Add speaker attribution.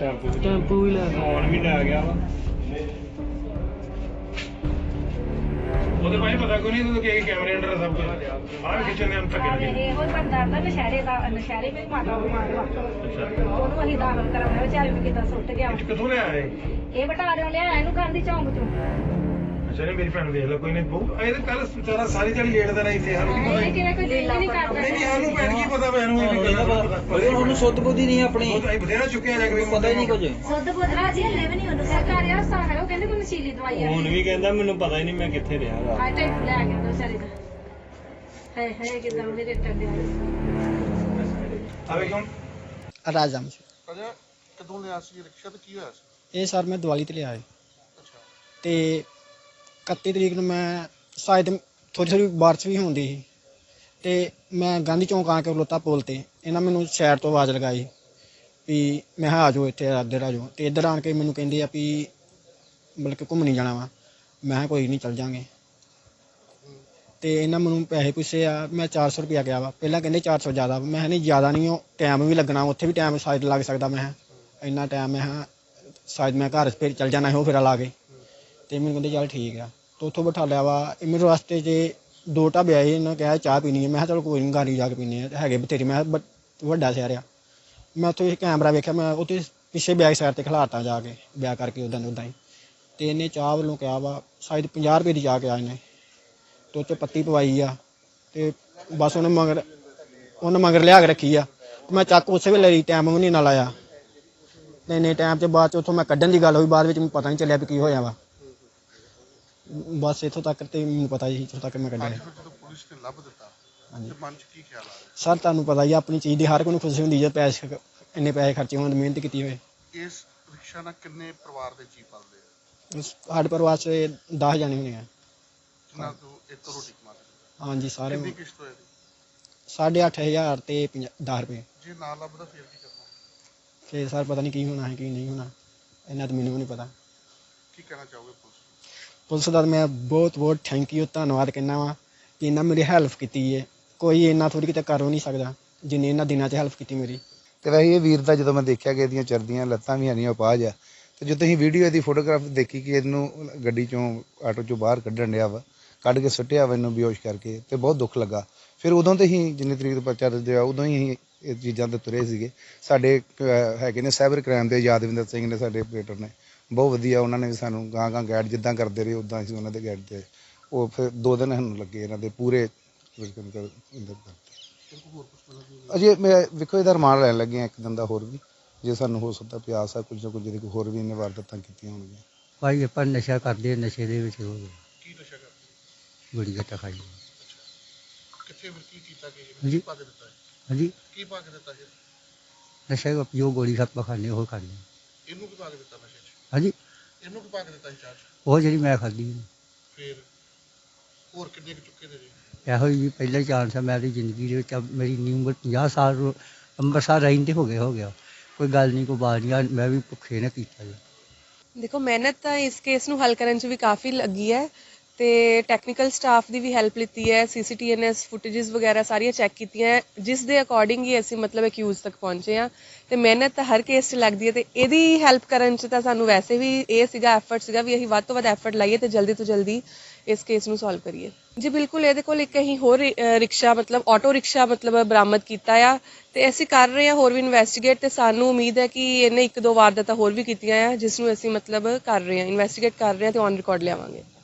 Speaker 1: Tempo ਵੀ ਲੈ
Speaker 2: phone ਵੀ ਲੈ ਗਿਆ ਵਾ ਉਹਦੇ ਭਾਈ ਪਤਾ ਕੋਈ ਨਹੀਂ ਤੂੰ ਕਿ ਕੈਮਰੇ ਅੰਦਰ ਸਭ ਕੁਝ ਆਹ ਕਿਚਨ ਦੇ ਅੰਦਰ ਤੱਕ
Speaker 3: ਇਹੋ ਹੀ ਬੰਦਾ ਦਾ ਨਸ਼ਹਿਰੇ ਵਿੱਚ ਮਾਤਾ ਬਿਮਾਰ ਵਾ ਉਹਨੂੰ ਅਸੀਂ ਦਾਖਲ ਕਰਾਉਣਾ ਵਿਚਾਰੇ ਨੂੰ ਕਿੱਦਾਂ ਸੁੱਟ ਗਿਆ
Speaker 2: ਕਿੱਥੋਂ ਲਿਆ
Speaker 3: ਇਹ ਬਟਾਰਿਓਂ ਲਿਆ ਇਹਨੂੰ ਗਾਂਧੀ ਚੌਂਕ ਚੋਂ
Speaker 2: ਅੱਛਾ ਮੇਰੀ ਭੈਣ ਦੇਖ ਲੈ ਕੋਈ ਨਹੀਂ ਬਹੁ ਇਹ ਤਾਂ ਕੱਲ ਸਾਰਾ ਸਾਰੀ ਦਿਹਾੜੀ ਲੇਟਦਾ ਰਿਹਾ ਇੱਥੇ ਸਾਨੂੰ ਕੀ ਪਤਾ
Speaker 3: ਇਹ ਕਿਵੇਂ ਕੋਈ ਲੀਲਾ ਨਹੀਂ ਕਰਦਾ
Speaker 2: ਨਹੀਂ ਸਾਨੂੰ ਭੈਣ ਕੀ ਪਤਾ ਮੈਨੂੰ ਇਹ ਗੱਲ
Speaker 1: ਉਹਨੂੰ ਸੁੱਧ ਬੁੱਧੀ ਨਹੀਂ ਆਪਣੀ
Speaker 2: ਉਹ ਤਾਂ ਬਥੇਰਾ ਚੁੱਕਿਆ ਜਾ ਕੇ
Speaker 1: ਪਤਾ ਹੀ ਨਹੀਂ ਕੁਝ
Speaker 3: ਸੁੱਧ ਬੁੱਧਰਾ ਜੀ ਹਲੇ ਵੀ ਨਹੀਂ ਉਹਨੂੰ ਸਰਕਾਰੀ ਹਸਪਤਾਲ ਹੈ ਉਹ ਕਹਿੰਦੇ ਕੋਈ ਨਸ਼ੀਲੀ ਦਵਾਈ ਆ
Speaker 1: ਹੁਣ ਵੀ ਕਹਿੰਦਾ ਮੈਨੂੰ ਪਤਾ ਹੀ ਨਹੀਂ ਮੈਂ ਕਿੱਥੇ ਰਿਹਾ ਵਾ
Speaker 3: ਹਾਏ ਟੈਂਪੂ ਲੈ ਗਿਆ ਦੋ ਸਾਰੇ ਦਾ ਹੈ ਕਿਦਾਂ ਉਹਦੇ ਰੇਟਾਂ ਦੇ
Speaker 2: ਆਵੇ ਕਿਉਂ
Speaker 4: ਰਾਜਮ
Speaker 5: ਅਜਾ ਕਦੋਂ ਲਿਆ ਸੀ ਰਿਕਸ਼ਾ ਤੇ ਕੀ ਹੋਇਆ ਸੀ?
Speaker 4: ਇਹ ਸਰ ਮੈਂ ਦੀਵਾਲੀ ਤੇ ਲਿਆ ਹੈ
Speaker 5: ਅੱਛਾ
Speaker 4: ਤੇ 31 ਤਰੀਕ ਨੂੰ ਮੈਂ ਸ਼ਾਇਦ ਥੋੜੀ ਬਾਰਿਸ਼ ਵੀ ਹੁੰਦੀ ਸੀ ਤੇ ਮੈਂ ਗਾਂਧੀ ਚੌਂਕ ਆ ਕੇ ਖਲੋਤਾ ਪੁਲ ਤੇ ਇਹਨਾਂ ਮੈਨੂੰ ਸ਼ਹਿਰ ਤੋਂ ਆਵਾਜ਼ ਲਗਾਈ ਵੀ ਮੈਂ ਕਿਹਾ ਆ ਜਾਓ ਇੱਥੇ ਇੱਧਰ ਆ ਜਾਓ ਤੇ ਇੱਧਰ ਆਣ ਕੇ ਮੈਨੂੰ ਕਹਿੰਦੇ ਆ ਵੀ ਬਲਕਿ ਘੁੰਮਣੀ ਜਾਣਾ ਵਾ ਮੈਂ ਕਿਹਾ ਕੋਈ ਨਹੀਂ ਚੱਲ ਜਾਂਗੇ ਤੇ ਇਹਨਾਂ ਮੈਨੂੰ ਪੈਸੇ ਪੁੱਛੇ ਆ ਮੈਂ 400 ਰੁਪਇਆ ਗਿਆ ਵਾ ਪਹਿਲਾਂ ਕਹਿੰਦੇ 400 ਜ਼ਿਆਦਾ ਮੈਂ ਕਿਹਾ ਨਹੀਂ ਜ਼ਿਆਦਾ ਨਹੀਂ ਉਹ ਟਾਈਮ ਵੀ ਲੱਗਣਾ ਉੱਥੇ ਵੀ ਟਾਈਮ ਸ਼ਾਇਦ ਲੱਗ ਸਕਦਾ ਮੈਂ ਕਿਹਾ ਇੰਨਾ ਟਾਈਮ ਮੈਂ ਕਿਹਾ ਸ਼ਾਇਦ ਮੈਂ ਘਰ ਫਿਰ ਚੱਲ ਜਾਣਾ ਸੀ ਉਹ ਫੇਰਾ ਲਾ ਕੇ ਤੇ ਮੈਨੂੰ ਕਹਿੰਦੇ ਚੱਲ ਠੀਕ ਆ ਤੇ ਉੱਥੋਂ ਬਿਠਾ ਲਿਆ ਵਾ ਮੈਨੂੰ ਰਸਤੇ 'ਚ ਦੋ ਢਾਬੇ ਆਏ ਇਹਨਾਂ ਕਿਹਾ ਚਾਹ ਪੀਣੀ ਹੈ ਮੈਂ ਕਿਹਾ ਚਲੋ ਕੋਈ ਨਹੀਂ ਗਾੜੀ ਜਾ ਕੇ ਪੀਂਦੇ ਆ ਹੈਗੇ ਬਥੇਰੇ ਮੈਂ ਕਿਹਾ ਵੱਡਾ ਸ਼ਹਿਰ ਆ ਮੈਂ ਉੱਥੇ ਕੈਮਰਾ ਵੇਖਿਆ ਮੈਂ ਉੱਥੇ ਪਿੱਛੇ ਬੈਕ ਸਾਈਡ ਤੇ ਖਿਲਾਰਤਾ ਜਾ ਕੇ ਵਿਆਹ ਕਰਕੇ ਉੱਦਾਂ ਹੀ ਤੇ ਇਹਨੇ ਚਾਹ ਵੱਲੋਂ ਕਿਹਾ ਵਾ ਸ਼ਾਇਦ 50 ਰੁਪਏ ਦੀ ਚਾਹ ਕਿਹਾ ਇਹਨੇ ਤੇ ਉੱਤੇ ਪੱਤੀ ਪਵਾਈ ਆ ਤੇ ਬਸ ਉਹਨੇ ਮਗਰ ਲਿਆ ਕੇ ਰੱਖੀ ਆ ਮੈਂ ਚੱਕ ਉਸੇ ਵੇਲੇ ਲਈ ਟਾਈਮ ਵੀ ਨਹੀਂ ਨਾਲ ਆਇਆ ਤੇ ਇੰਨੇ ਟਾਈਮ 'ਚ ਬਾਅਦ 'ਚ ਉੱਥੋਂ ਮੈਂ ਕੱਢਣ ਦੀ ਗੱਲ ਹੋਈ ਬਾਅਦ ਵਿੱਚ ਮੈਨੂੰ ਪਤਾ ਨਹੀਂ ਚੱਲਿਆ ਵੀ ਕੀ ਹੋਇਆ ਵਾ ਬਸ ਇੱਥੋਂ ਤੱਕ ਤੇ ਮੈਨੂੰ ਪਤਾ ਹੀ ਇੱਥੋਂ ਤੱਕ ਮੈਂ ਕੱਢਿਆ
Speaker 5: ਜਦੋਂ ਪੁਲਿਸ ਨੇ ਲੱਭ ਦਿੱਤਾ ਤੇ ਮਨ 'ਚ ਕੀ ਖਿਆਲ ਆ ਰਿਹਾ?
Speaker 4: ਸਰ ਤੁਹਾਨੂੰ ਪਤਾ ਹੀ ਆ ਆਪਣੀ ਚੀਜ਼ ਦੀ ਹਰ ਕੋਈ ਨੂੰ ਖੁਸ਼ੀ ਹੁੰਦੀ ਜੇ ਪੈਸੇ ਇੰਨੇ ਪੈਸੇ ਖਰਚੇ ਹੋਣ ਮਿਹਨਤ ਕੀਤੀ ਹੋਏ
Speaker 5: ਇਸ ਰਿਕਸ਼ਾ ਨਾਲ ਕਿੰਨੇ ਪਰਿਵਾਰ ਦੇ ਜੀ ਪਲਦੇ ਆ?
Speaker 4: ਸਾਡੇ ਪਰਿਵਾਰ 'ਚ 10 ਜਾਣੇ ਹੋਣੇ ਆ
Speaker 5: ਜਿਨ੍ਹਾਂ ਤੋਂ ਇੱਕ ਰੋਟੀ ਕਮਾਉਂਦੇ ਆ?
Speaker 4: ਹਾਂਜੀ ਸਾਰੇ
Speaker 5: ਕਿੰਨੀ ਕਿਸ਼ਤ ਹੋਏ ਦੀ?
Speaker 4: 8,500 ਤੇ 10 ਰੁਪਏ
Speaker 5: ਜੇ ਨਾ ਲੱਭਦਾ ਫਿਰ ਕੀ ਕਰਨਾ?
Speaker 4: ਫਿਰ ਸਰ ਪਤਾ ਨਹੀਂ ਕੀ ਹੋਣਾ ਹੈ ਕੀ ਨਹੀਂ ਹੋਣਾ ਇਹਨਾਂ ਤਾਂ ਮੈਨੂੰ ਵੀ ਨਹੀਂ ਪਤਾ
Speaker 5: ਕੀ ਕਹਿਣਾ ਚਾਹੋਗੇ ਪੁਲਿਸ ਨੂੰ?
Speaker 4: ਪੁਲਿਸ ਦਾ ਮੈਂ ਬਹੁਤ ਥੈਂਕ ਯੂ ਧੰਨਵਾਦ ਕਹਿੰਦਾ ਵਾਂ ਕਿ ਇਹਨਾਂ ਮੇਰੀ ਹੈਲਪ ਕੀਤੀ ਹੈ ਕੋਈ ਇੰਨਾ ਥੋੜੀ ਕਿਤੇ ਕਰ ਨਹੀਂ ਸਕਦਾ ਜਿੰਨੇ ਇਹਨਾਂ ਦਿਨਾਂ 'ਚ ਹੈਲਪ ਕੀਤੀ ਮੇਰੀ
Speaker 6: ਤੇ ਵੈਸੇ ਇਹ ਵੀਰ ਦਾ ਜਦੋਂ ਮੈਂ ਦੇਖਿਆ ਕਿ ਇਹਦੀਆਂ ਚਰਦੀਆਂ ਲੱਤਾਂ ਵੀ ਹਨੀਆਂ ਉਪਾਜ ਆ ਤੇ ਜਦੋਂ ਅਸੀਂ ਵੀਡੀਓ ਇਹਦੀ ਫੋਟੋਗ੍ਰਾਫ ਦੇਖੀ ਕਿ ਇਹਨੂੰ ਗੱਡੀ ਚੋਂ ਆਟੋ ਚੋਂ ਬਾਹਰ ਕੱਢਣ ਡਿਆ ਵਾ ਕੱਢ ਕੇ ਸੁੱਟਿਆ ਵਾ ਇਹਨੂੰ ਬੇਹੋਸ਼ ਕਰਕੇ ਤੇ ਬਹੁਤ ਦੁੱਖ ਲੱਗਾ ਫਿਰ ਉਦੋਂ ਤੇ ਹੀ ਜਿੰਨੀ ਤਰੀਕ ਤੋਂ ਪਰਚਾ ਦਰਜ ਹੋਇਆ ਉਦੋਂ ਹੀ ਅਸੀਂ ਇਹ ਚੀਜ਼ਾਂ ਤੇ ਤੁਰੇ ਸੀਗੇ ਸਾਡੇ ਹੈਗੇ ਨੇ ਸਾਈਬਰ ਕ੍ਰਾਈਮ ਦੇ ਯਾਦਵਿੰਦਰ ਸਿੰਘ ਨੇ ਸਾਡੇ ਆਪਰੇਟਰ ਨੇ ਬਹੁਤ ਵਧੀਆ ਉਹਨਾਂ ਨੇ ਵੀ ਸਾਨੂੰ ਗਾਂ ਗਾਈਡ ਜਿੱਦਾਂ ਕਰਦੇ ਰਹੇ ਉਦਾਂ ਅਸੀਂ ਉਹਨਾਂ ਦੇ ਗਾਈਡ ਤੇ ਉਹ ਫਿਰ 2 ਦਿਨ ਸਾਨੂੰ ਲੱਗੇ ਇਹਨਾਂ ਦੇ ਪੂਰੇ ਅਜੇ ਮੈਂ ਵੇਖੋ ਇਹਦਾ ਰਿਮਾਂਡ ਲੈਣ ਲੱਗੇ ਹਾਂ 1 ਦਿਨ ਦਾ ਹੋਰ ਵੀ ਜੇ ਸਾਨੂੰ ਹੋ ਸਕਦਾ ਪਿਆਸ ਆ ਕੁਝ ਨਾ ਕੁਝ ਜਿਹਦੇ ਹੋਰ ਵੀ ਇਹਨੇ ਵਾਰਦਾਤਾਂ ਕੀਤੀਆਂ ਹੋਣਗੀਆਂ
Speaker 1: ਭਾਈ ਆਪਾਂ ਨਸ਼ਾ ਕਰਦੇ ਨਸ਼ੇ ਦੇ ਵਿੱਚ ਹੋ ਗਏ
Speaker 5: ਕੀ ਨਸ਼ਾ ਕਰਦੇ?
Speaker 1: ਬੜੀ ਘਟਾ ਖਾਈ
Speaker 5: ਕਿੱਥੇ ਫਿਰ ਕੀ ਕੀਤਾ ਕਿ
Speaker 1: ਹਾਂਜੀ।
Speaker 5: ਪਾ ਕੇ ਦਿੱਤਾ ਹੈ?
Speaker 1: ਹਾਂਜੀ
Speaker 5: ਕੀ ਪਾ ਕੇ ਦਿੱਤਾ ਜੀ?
Speaker 1: ਨਸ਼ਾ ਜੋ ਗੋਲੀ ਸੱਪ ਖਾਂਦੇ ਉਹ ਖਾਂਦੇ
Speaker 5: ਇਹਨੂੰ ਕੀ ਪਾ ਕੇ ਦਿੱਤਾ ਨਸ਼ੇ 'ਚ?
Speaker 1: ਹਾਂਜੀ
Speaker 5: ਇਹਨੂੰ ਕੀ ਪਾ ਕੇ ਦਿੱਤਾ ਸੀ ਚਾਹ 'ਚ?
Speaker 1: ਉਹ ਜਿਹੜੀ ਮੈਂ ਖਾਧੀ
Speaker 5: ਫਿਰ ਹੋਰ ਕਿੰਨੇ ਕੁ ਚੁੱਕੇ ਦੇ ਜੀ?
Speaker 1: ਇਹੋ ਹੀ ਪਹਿਲਾ ਚਾਂਸ ਹੈ ਮੇਰੀ ਜ਼ਿੰਦਗੀ ਦੇ ਵਿੱਚ ਮੇਰੀ ਉਮਰ 50 ਸਾਲ ਅੰਮ੍ਰਿਤਸਰ ਰਹਿੰਦੇ ਹੋ ਗਿਆ ਕੋਈ ਗੱਲ ਨਹੀਂ ਕੋਈ ਬਾਤ ਨਹੀਂ ਮੈਂ ਵੀ ਭੁੱਖੇ ਨੇ ਕੀਤਾ ਜੀ
Speaker 7: ਦੇਖੋ ਮਿਹਨਤ ਤਾਂ ਇਸ ਕੇਸ ਨੂੰ ਹੱਲ ਕਰਨ 'ਚ ਵੀ ਕਾਫੀ ਲੱਗੀ ਹੈ ਤੇ ਟੈਕਨੀਕਲ ਸਟਾਫ ਦੀ ਵੀ ਹੈਲਪ ਲਿੱਤੀ ਹੈ ਸੀਸੀਟੀਐਨਐਸ ਫੁਟੇजेस ਵਗੈਰਾ ਸਾਰੀਆਂ ਚੈੱਕ ਕੀਤੀਆਂ ਜਿਸ ਦੇ ਅਕੋਰਡਿੰਗ ਹੀ ਅਸੀਂ ਮਤਲਬ ਅਕਿਊਜ਼ ਤੱਕ ਪਹੁੰਚੇ ਹਾਂ ਤੇ ਮਿਹਨਤ ਤਾਂ ਹਰ ਕੇਸ 'ਚ ਲੱਗਦੀ ਹੈ ਤੇ ਇਹਦੀ ਹੈਲਪ ਕਰਨ 'ਚ ਤਾਂ ਸਾਨੂੰ ਵੈਸੇ ਵੀ ਇਹ ਸੀਗਾ ਐਫਰਟ ਸੀਗਾ ਵੀ ਅਸੀਂ ਵੱਧ ਤੋਂ ਵੱਧ ਐਫਰਟ ਲਾਈਏ ਤੇ ਜਲਦੀ ਤੋਂ ਜਲਦੀ ਇਸ ਕੇਸ ਨੂੰ ਸੋਲਵ ਕਰੀਏ ਜੀ ਬਿਲਕੁਲ ਇਹਦੇ ਕੋਲ ਇੱਕ ਅਸੀਂ ਹੋਰ ਰਿਕਸ਼ਾ ਮਤਲਬ ਆਟੋ ਰਿਕਸ਼ਾ ਮਤਲਬ ਬਰਾਮਦ ਕੀਤਾ ਆ ਤੇ ਅਸੀਂ ਕਰ ਰਹੇ ਹਾਂ ਹੋਰ ਵੀ ਇਨਵੈਸਟੀਗੇਟ ਤੇ ਸਾਨੂੰ ਉਮੀਦ ਹੈ ਕਿ ਇਹਨੇ 1-2 ਵਾਰਦਾਤਾਂ ਹੋਰ ਵੀ ਕੀਤੀਆਂ ਆ ਜਿਸ ਨੂੰ ਅਸੀਂ ਮਤਲਬ ਕਰ ਰਹੇ ਹਾਂ ਇਨਵੈਸਟੀਗੇਟ ਕਰ ਰਹੇ ਹਾਂ ਤੇ ਔਨ ਰਿਕਾਰਡ ਲਿਆਵਾਂਗੇ